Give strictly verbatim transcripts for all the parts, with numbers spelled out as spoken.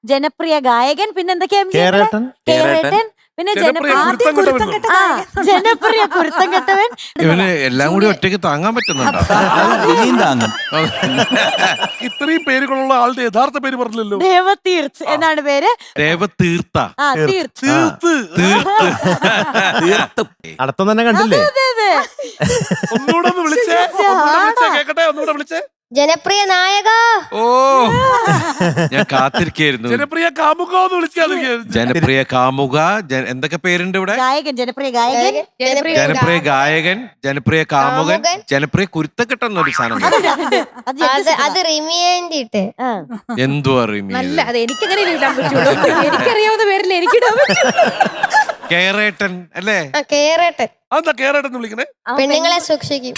ജനപ്രിയ ഗായകൻ, പിന്നെ എന്തൊക്കെയാ കേരേട്ടൻ കേരേട്ടൻ, പിന്നെ ജനപ്രിയ ജനപ്രിയ കുരുത്തം കെട്ടവൻ. ഇവന് എല്ലാം കൂടി ഒറ്റയ്ക്ക് താങ്ങാൻ പറ്റുന്നുണ്ടോ? താങ്ങും. ഇത്രയും പേരുകളുള്ള ആളുടെ യഥാർത്ഥ പേര് പറഞ്ഞില്ലല്ലോ. ദേവതീർത്ത് എന്നാണ് പേര്. ദേവതീർത്ത. ആ തീർത്ത്. തീർത്ത് തീർത്ത് അടുത്ത തന്നെ കണ്ടില്ലേ? ഒന്നുകൂടെ ഒന്ന് വിളിച്ചേ, ഒന്നുകൂടെ വിളിച്ചേ കേക്കട്ടെ, ഒന്നുകൂടെ വിളിച്ചേ. ജനപ്രിയ നായക. ഓ ഞാൻ കാത്തിരിക്കായിരുന്നു. ജനപ്രിയ കാമുക എന്ന് വിളിച്ചാൽ ജനപ്രിയ കാമുക. എന്തൊക്കെ പേരുണ്ട് ഇവിടെ? ഗായകൻ, ജനപ്രിയ ഗായകൻ, ജനപ്രിയ ഗായകൻ, ജനപ്രിയ കാമുകൻ, ജനപ്രിയ കുരുത്തക്കെട്ടെന്നൊരു സാധനം. അത് റിമിയേണ്ടിട്ട് എന്തുവാ റിമി? അല്ല, അത് എനിക്കങ്ങനെ ഇടാൻ പറ്റുള്ളൂ. എനിക്കറിയാവുന്ന പേരിൽ എനിക്കിടാൻ പറ്റും. കേരേട്ടൻ അല്ലേ? കേരേട്ടൻ. അതെന്താ കേരേട്ടൻ വിളിക്കണേ? പെണ്ണുങ്ങളെ സൂക്ഷിക്കും.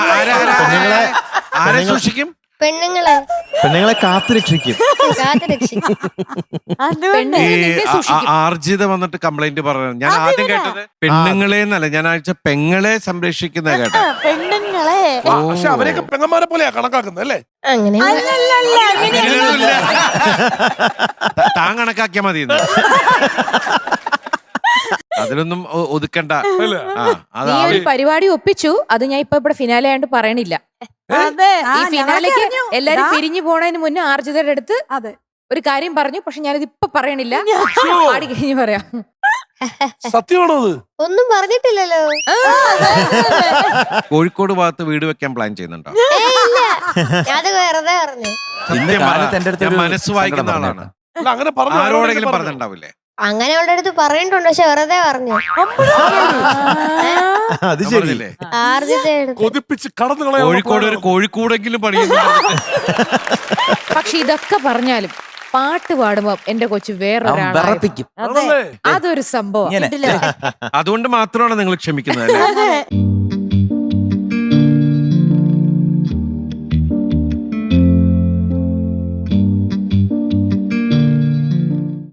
ആരെ സൂക്ഷിക്കും? പെണ്ണുങ്ങളെ. പെണ്ണുങ്ങളെ കാത്തുരക്ഷിക്കും. കാത്തുരക്ഷിക്കും. ആർജിത വന്നിട്ട് കംപ്ലൈന്റ് പറഞ്ഞു. ഞാൻ ആദ്യം കേട്ടത് പെണ്ണുങ്ങളെ എന്നല്ല, ഞാൻ ആഴ്ച പെങ്ങളെ സംരക്ഷിക്കുന്ന കേട്ടോ. പെണ്ണുങ്ങളെ. പക്ഷെ അവരെയൊക്കെ പെങ്ങന്മാരെ പോലെയാ കണക്കാക്കുന്നത് അല്ലേ? അങ്ങനെ താൻ കണക്കാക്കിയാ മതി. അതിലൊന്നും ഒതുക്കണ്ട. നീ ഒരു പരിപാടി ഒപ്പിച്ചു, അത് ഞാൻ ഇപ്പൊ ഇവിടെ ഫിനാലെ ആയിട്ട് പറയണില്ല. ഈ ഫിനാലേക്ക് എല്ലാരും പിരിഞ്ഞു പോണതിന് മുന്നേ ആർജിതയുടെ അടുത്ത് ഒരു കാര്യം പറഞ്ഞു, പക്ഷെ ഞാനിത് ഇപ്പൊ പറയണില്ല. പാടി കഴിഞ്ഞ് പറയാം. സത്യമാണോ അത്? ഒന്നും പറഞ്ഞിട്ടില്ലല്ലോ. കോഴിക്കോട് ഭാഗത്ത് വീട് വെക്കാൻ പ്ലാൻ ചെയ്യുന്നുണ്ടോ? അത് വെറുതെ പറഞ്ഞു. മനസ്സ് വായിക്കുന്ന ആളാണ്. അങ്ങനെ പറഞ്ഞു ആരോടെങ്കിലും പറഞ്ഞിട്ടുണ്ടാവില്ലേ? അങ്ങനെ അവളുടെ അടുത്ത് പറഞ്ഞിട്ടുണ്ട്, പക്ഷെ വെറുതെ പറഞ്ഞു. അത് ശരിയല്ലേ? കൊതിപ്പിച്ച് കടന്നു കളയാൻ കോഴിക്കോട് ഒരു കോഴിക്കോടെങ്കിലും പണിയുന്നുണ്ട്. പക്ഷെ ഇതൊക്കെ പറഞ്ഞാലും പാട്ട് പാടുമ്പോ എന്റെ കൊച്ചു വേറൊരാളായിരിക്കും. അതൊരു സംഭവം. അതുകൊണ്ട് മാത്രമാണ് നിങ്ങൾ ക്ഷമിക്കുന്നത് അല്ലേ?